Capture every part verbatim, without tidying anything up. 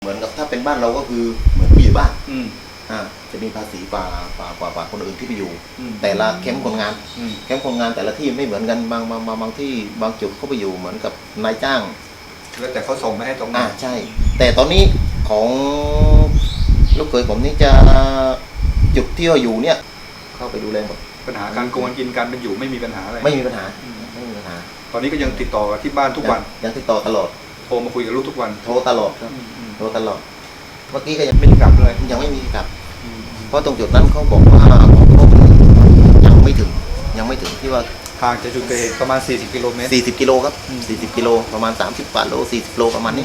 เหมือนกับถ้าเป็นบ้านเราก็คือเหมือนผู้อยู่บ้านอืมอ่าจะมีภาษีกว่ากว่ากว่ากว่าคนอื่นที่ไปอยู่อืมแต่ละแคมป์คนงานอืมแคมป์คนงานแต่ละที่ไม่เหมือนกันบางบางบางบางที่บางจุดเขาไปอยู่เหมือนกับนายจ้างแล้วแต่เขาส่งมาให้ตรงอ่านั้นใช่ แต่ตอนนี้ของลูกเขยผมนี่จะจุดที่เราอยู่เนี่ยเข้าไปดูแลหมดปัญหาการโกงกินการเป็นอยู่ไม่มีปัญหาอะไรไม่มีปัญหาอืมไม่มีปัญหาตอนนี้ก็ยังติดต่อที่บ้านทุกวันยังยังติดต่อตลอดโทรมาคุยกับลูกทุกวันโทรตลอดครับอืมอืมโทรตลอดเมื่อกี้ก็ยังไม่ได้กลับเลยยังไม่มีกลับอืมเพราะตรงจุดนั้นเขาบอกว่าของเขายังไม่ถึงยังไม่ถึงที่ว่าห่างจากจุดเกิดเหตุประมาณสี่สิบกิโลเมตรสี่สิบกิโลครับอืมสี่สิบกิโลประมาณสามสิบกว่าโลสี่สิบโลประมาณนี้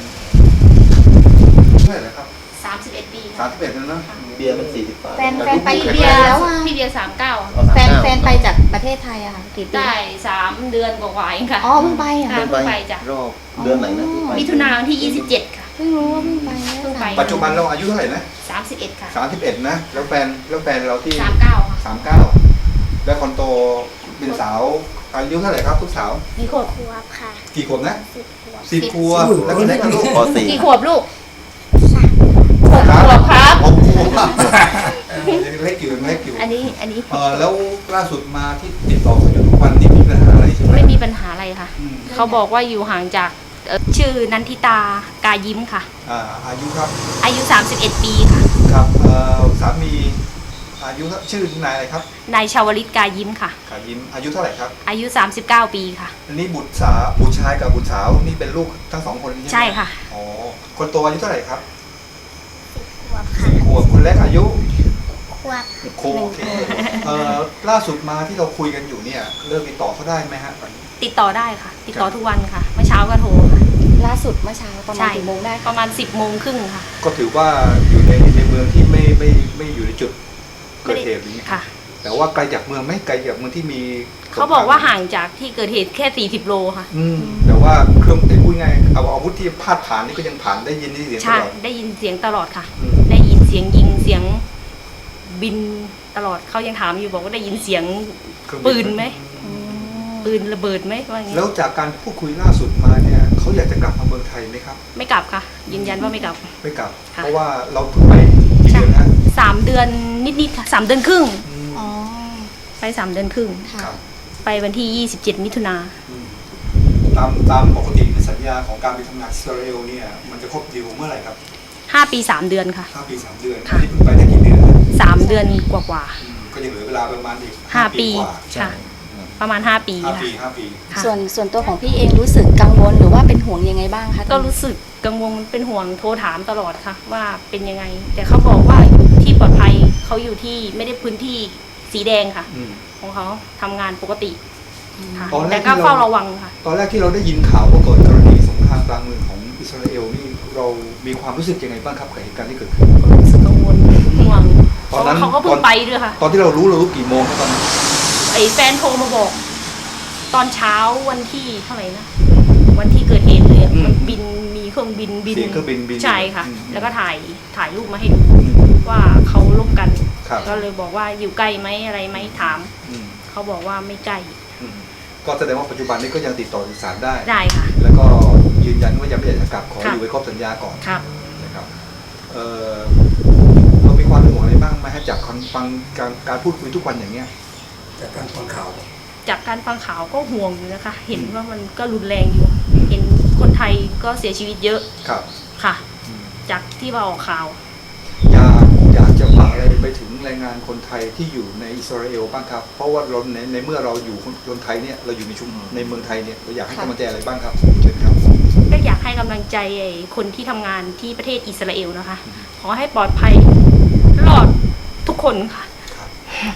เท่าไหร่แล้วครับสามสิบเอ็ดปีสามสิบเอ็ดแล้วนะเบียร์มันสี่สิบกว่าแฟนแฟนไปพี่กี่เบีเดืยอนร์แล้วอ่ะพี่เบียร์สามเก้าเอาสามแฟนเก้าแฟนไปจากประเทศไทยอะค่ะกี่ปีได้สามเดือนกว่าๆเองค่ะอ๋อเพิ่งไปเหรค่ะอ่ะเพิ่งไปไปจ้ะรอบเดือนไหนนะที่ไปมิถุนายนที่ยี่สิบเจ็ดค่ะเพิ่งรู้ว่าเพิ่งไปเพิ่งไปปัจจุบันเราอายุเท่าไหร่นะสามสิบเอ็ดค่ะสามสิบเอ็ดนะ แล้วแฟนแล้วแฟนเราที่สามเก้าค่ะสามเก้าแล้วคนโตเป็นสาวอายุเท่าไหร่ครับทุกสาวกี่ขวบขวบค่ะกี่ขวบนะสิบขวบสิบขวบแล้วคนเล็กกับลูกปสี่กี่ขวบลูกสามหกขวบครับหกขวบยังเล็กอยู่ยังเล็กอยู่อันนี้อันนี้เออแล้วล่าสุดมาที่ติดต่อเขาอยู่ทุกวันนี้มีปัญหาอะไรใช่ไหมไม่มีปัญหาอะไรค่ะอืมเขาบอกว่าอยู่ห่างจากเอ่อชื่อนันทิตากายิ้มค่ะอ่าอายุครับอายุสามสิบเอ็ดปีค่ะครับเอ่อสามีอายุชื่อนายอะไรครับนายชาวลิตกายิ้มค่ะขายิ้มอายุเท่าไหร่ครับอายุสามสิบเก้าปีค่ะอันนี้บุตรสาวบุตรชายกับบุตรสาวนี่เป็นลูกทั้งสองคนใช่ไหมใช่ค่ะอ๋อคนโตอายุเท่าไหร่ครับขวบค่ะสิบขวบคนเล็กอายุขวบโอเคเอ่อล่าสุดมาที่เราคุยกันอยู่เนี่ยเริ่มติดต่อเขาได้ไหมฮะตอนนี้ติดต่อได้ค่ะ ติดต่อทุกวันค่ะ เมื่อเช้าก็โทรค่ะล่าสุดเมื่อเช้าประมาณใช่กี่โมงได้ปคะระมาณสิบโมงครึ่งค่ะก็ถือว่าอยู่ในในเมืองที่ไม่ไม่ไม่อยู่ในจุดเกิดเหตุหรือไงค่ะแต่ว่าไกลจากเมืองไหมไกลจากเมืองที่มีเขาบอกว่าห่างจากที่เกิดเหตุแค่สี่สิบโลค่ะอืมแต่ว่าเครื่องไอ้พูดง่ายเอาอาวุธที่พาดผ่านนี่ก็ยังผ่านได้ยินได้เสียงตใช่ลอดได้ยินเสียงตลอดค่ะอืมได้ยินเสียงยิงเสียงบินตลอดเขายังถามอยู่บอกว่าได้ยินเสียงเครื่องปืนไหม ปืนระเบิดไหมว่าอย่างแล้งี้วจากการพูดคุยล่าสุดมาเนี่ยเขาอยากจะกลับมาเมืองไทยไหมครับไม่กลับค่ะ ยืนยันว่าไม่กลับไม่กลับค่ะเพราะว่าเราเพิ่งไปกี่เดือนนะสามเดือนนิดๆค่ะสามเดือนครึ่งอืมอ๋อไปสามเดือนครึ่งค่ะครับไปวันที่ยี่สิบเจ็ดมิถุนาอืมตามตามปกติในสัญญาของการไปทำงานอิสราเอลเนี่ยมันจะครบดีลเมื่อไหร่ครับห้าปีสามเดือนค่ะห้าปีสามเดือนค่ะอันนี้เพิ่งไปได้กี่เดือนนะสามเดือนกว่าอืมก็ยังเหลือเวลาประมาณอีกๆห้าปีกว่าค่ะ ประมาณห้าปีห้าค่ะปีห้าปีค่ะส่วนส่วนตัวของพี่เองรู้สึกกังวลหรือว่าเป็นห่วงยังไงบ้างคะก็รู้สึกกังวลเป็นห่วงโทรถามตลอดค่ะ ว่าเป็นยังไง แต่เขาบอกว่าที่ปลอดภัยเขาอยู่ที่ไม่ได้พื้นที่สีแดงค่ะอืมของเขาทำงานปกติค่ะตอนแรกแต่ก็ที่เราเฝ้าระวังค่ะตอนแรกที่เราได้ยินข่าวว่าเกิดกรณีสงครามกลางเมืองของอิสราเอลนี่เรามีความรู้สึกยังไงบ้างครับกับเหตุการณ์ที่เกิดขึ้นก็รู้สึกกังวลห่วงเพตอนราะนั้ว่าน เขาก็เพิ่ตอง นไปด้วยค่ะตอนที่เรารู้เรารู้กี่โมงครับตอนนั้นไอ้แฟนโทรมาบอก ตอนเช้าวันที่เท่าไหร่นะวันที่เกิดเหตุเลยอะมันบินมีเครื่องบินบินเสียงเครื่องบินบินใช่ค่ะอืมแล้วก็ถ่ายถ่ายรูปมาให้ดูอืมว่าเขาลบกันครับก็เลยบอกว่าอยู่ใกล้ไหมอะไรไหมถามอืมเขาบอกว่าไม่ใกล้อืมก็แสดงว่าปัจจุบันนี้ก็ยังติดต่อสื่อสารได้ได้ค่ะแล้วก็ยืนยันว่ายังไม่อยากจะกลับขอค่ะอยู่ไว้ครบสัญญาก่อนครับนะครับเอ่อเรามีความเป็นห่วงอะไรบ้างไหมฮะจากการฟังการการพูดคุยทุกวันอย่างเงี้ยจากการฟังข่าวจากการฟังข่าวก็ห่วงอยู่นะคะ เห็นว่ามันก็รุนแรงอยู่ เห็นคนไทยก็เสียชีวิตเยอะครับค่ะอืมจากที่ว่าออกข่าวอยากอยากจะฝากอะไรไปถึงแรงงานคนไทยที่อยู่ในอิสราเอลบ้างครับ เพราะว่าเราในในเมื่อเราอยู่คนไทยเนี่ยเราอยู่ในชุมในเมืองไทยเนี่ยเราอยากให้กำลังใจอะไรบ้างครับเชิญครับก็อยากให้กำลังใจไอ้คนที่ทำงานที่ประเทศอิสราเอลนะคะ ขอให้ปลอดภัยรอดทุกคนค่ะครับ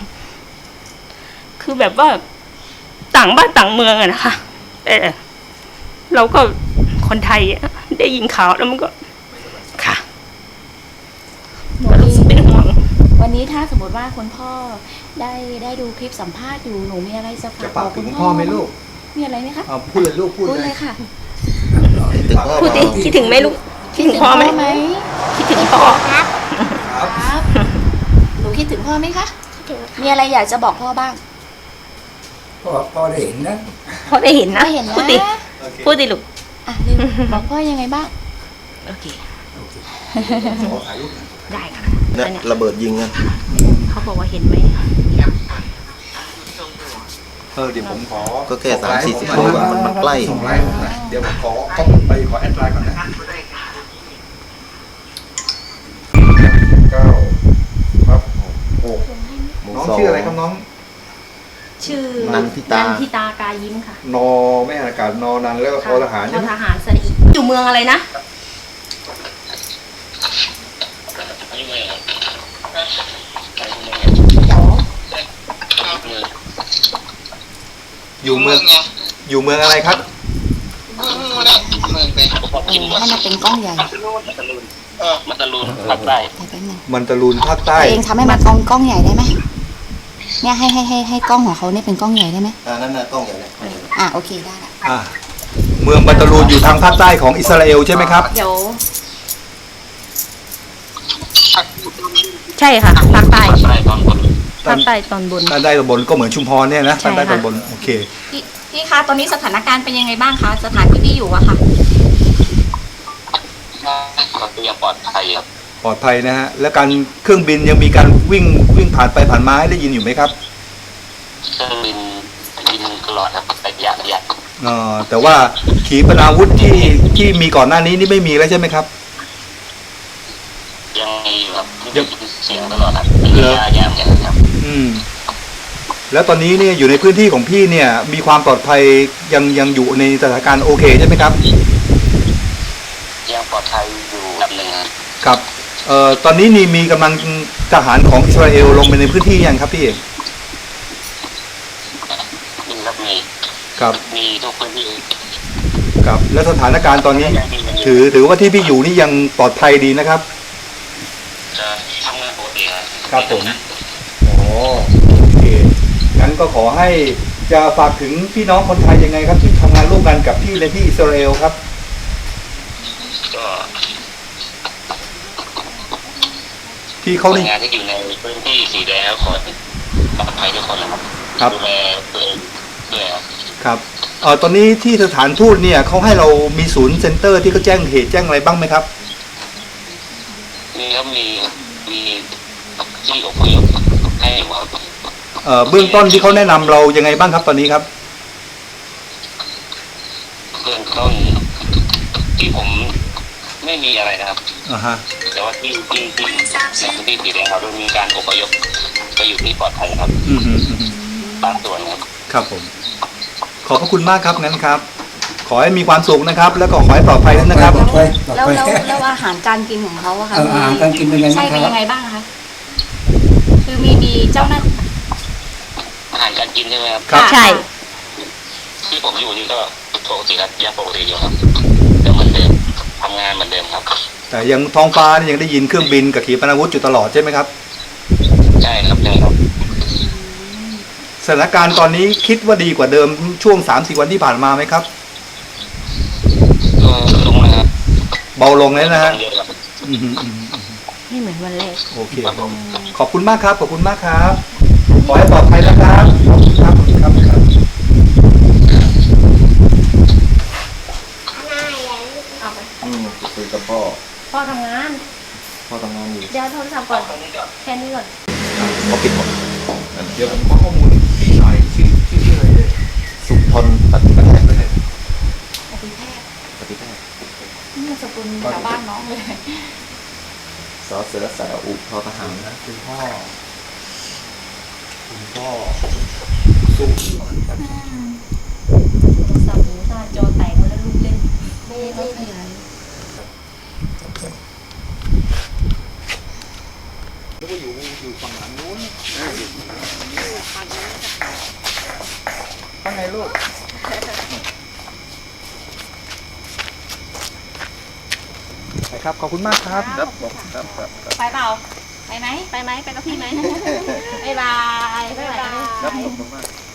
คือแบบว่าต่างบ้านต่างเมืองอะนะคะแต่เราก็คนไทยอะได้ยินข่าวแล้วมันก็ค่ะหนูก็มีรู้สึกเป็นห่วงวันนี้ถ้าสมมติว่าคุณพ่อได้ได้ดูคลิปสัมภาษณ์อยู่หนูมีอะไรจะฝาจะกฝากบอกถึคุงณพ่อไหมลูกมีอะไรไหมคะเอาพูดเลยลูกพูดพูดเลเลย ยค่ะคิดถึงพ่อพูดดิคิดถึงไหมลูกคิดถึงพ่อไหมไหมคิดถึงพ่อครับครับครับหนูคิดถึงพ่อไหมคะคิดถึงมีอะไรอยากจะบอกพ่อบ้างพอพอได้เห็นนะพ่อได้เห็นนะได้เห็นนะพูดดิโอเคพูดดิลูกอ่ะลืมบอกพ่อยังไงบ้างโอเคโอเคขอถ่ายรูปหน่อยได้ค่ะเนี่ยอันเนี้ยระเบิดยิงกันเขาบอกว่าเห็นไหมเออเดี๋ยวผมขอก็แค่ส่งไลน์สามสี่สิบให้ผโลหน่อยมันมันใกล้ส่งไลน์ให้ผมหน่อยเดี๋ยวผมขอเข้าไปขอแอดไลน์ก่อนนะเก้าครับหกหมู่น้องสองชื่ออะไรครับน้องชื่อนันทิตานันทิตากายิ้มค่ะนอไม่อากาศนอนันแล้วก็ทอทหารทใช่อไหมทหารสระอีอยู่เมืองอะไรนะอยู่เมืองอยู่เมืองอะไรครับให้มันเป็นกล้องใหญ่มันตะลุนภาคใต้แต่แป๊บนึงมันตะลุนภาคใต้ตัวเองทำให้มันกล้องกล้องใหญ่ได้ไหมเนี่ยให้ให้ให้ให้กล้องของเขาเนี่ยเป็นกล้องใหญ่ได้ไหมอ่านั่นน่ะกล้องใหญ่เลยอ่ะโอเคได้ละอ่าเมืองมันตะลุนอยู่ทางภาคใต้ของอิสราเอลใช่ไหมครับเดี๋ยว ใช่ค่ะภาคใต้ใต้ตอนบนภาคใต้ตอนบนภาคใต้ตอนบนก็เหมือนชุมพรเนี่ยนะใช่ภาคค่ะใต้ตอนบนโอเคพี่พี่คะตอนนี้สถานการณ์เป็นยังไงบ้างคะสถานที่พี่อยู่อะค่ะก็ยังปลอดภัยครับปลอดภัยนะฮะแล้วการเครื่องบินยังมีการวิ่งวิ่งผ่านไปผ่านมาให้ได้ยินอยู่ไหมครับเครื่องบินบินตลอดครับระยะระยะเอ่อแต่ว่าขีปนาวุธที่ที่มีก่อนหน้านี้นี่ไม่มีแล้วใช่ไหมครับยังมีอยู่ครับยังมีเสียงตลอดครับระยะยาวอย่างครับอืมแล้วตอนนี้เนี่ยอยู่ในพื้นที่ของพี่เนี่ยมีความปลอดภัยยังยังอยู่ในสถานการณ์โอเคใช่ไหมครับยังปลอดภัยอยู่ลำหนึ่งครับครับเอ่อตอนนี้นี่มีกำลังทหารของอิสราเอลลงไปในพื้นที่ยังครับพี่มีครับมีครับมีทุกพื้นที่ครับแล้วสถานการณ์ตอนนี้ถือถือว่าที่พี่อยู่นี่ยังปลอดภัยดีนะครับจะทำงานปกติครับครับผมอ๋อโอเคงั้นก็ขอให้จะฝากถึงพี่น้องคนไทยยังไงครับที่ทำงานร่วมกันกับพี่ในที่อิสราเอลครับก็ที่เขาคนนี่งานที่อยู่ในพื้นที่สีแดงก็ขอปลอดภัยทุกคนนะครับครับดูแลตัวเองด้วยครับครับเอ่อตอนนี้ที่สถานทูตเนี่ยเขาให้เรามีศูนย์เซ็นเตอร์ที่เขาแจ้งเหตุแจ้งอะไรบ้างไหมครับมีครับมีมีที่อพยพให้อยู่ครับเอ่อเบื้องต้นที่เขาแนะนำเรายังไงบ้างครับตอนนี้ครับเบื้องต้นที่ผมไม่มีอะไรนะครับอ่าฮะแต่ว่าที่ที่ที่ในพื้นที่สีแดงเรามีการอพยพไปอยู่ที่ปลอดภัยครับอืมฮึอืมฮึบางส่วนครับครับผมขอบพระคุณมากครับงั้นครับ ขอให้มีความสุขนะครับ แล้วก็ขอให้ปลอดภัยด้วยนะครับปลอดภัยปลอดแล้วภัยแล้วแล้วอาหารการกินของเขาอะค่ะเอออาหารการกินเป็นไงบ้างใช่เป็นครับยังไงบ้างคะคือมีมีเจ้าหน้าอาหารการกินใช่ไหมครับครับใช่ที่ผมอยู่นี่ก็ปกติครับยังปกติอยู่ครับแต่เหมือนเดิมทำงานเหมือนเดิมครับแต่ยังท้องฟ้านี่ยังได้ยินเครื่องบินกับขีปนาวุธอยู่ตลอดใช่ไหมครับใช่ครับใช่ครับสถานการณ์ตอนนี้คิดว่าดีกว่าเดิมช่วงสามสี่วันที่ผ่านมาไหมครับก็ลงนะครับเบาลงแล้วนะฮะเยอะครับอืมฮึอืมฮึไม่เหมือนวันแรกโอเคขอบคุณมากครับขอบคุณมากครับขอให้ปลอดภัยนะครับขอบคุณครับขอบคุณครับครับอืมคุยกับพ่อพ่อทำงานพ่อทำงานอยู่เดี๋ยวโทรศัพท์ก่อน แค่นี้ก่อนเขาปิดหมดเดี๋ยวผมขอข้อมูลพี่หน่อยชื่อชื่อชื่ออะไรเนี่ยสุทนปฏิบัติอภิแพทย์ปฏิแพทย์นี่มันสกุลชาวบ้านน้องเลยสอเสือสระอุทอทหารนะคุณพ่อคุณพ่อสู้โทรศัพท์หนูหน้าจอแตกหมดแล้วลูกเล่นไม่ได้ขยายแล้วก็อยู่อยู่ฝั่งหลังนู้นว่าไงลูกไปครับขอบคุณมากครับครับครับครับครับไปเปล่า ไปไหม ไปไหม ไปกับพี่ไหม บ๊ายบาย บ๊ายบายครับขอบคุณมาก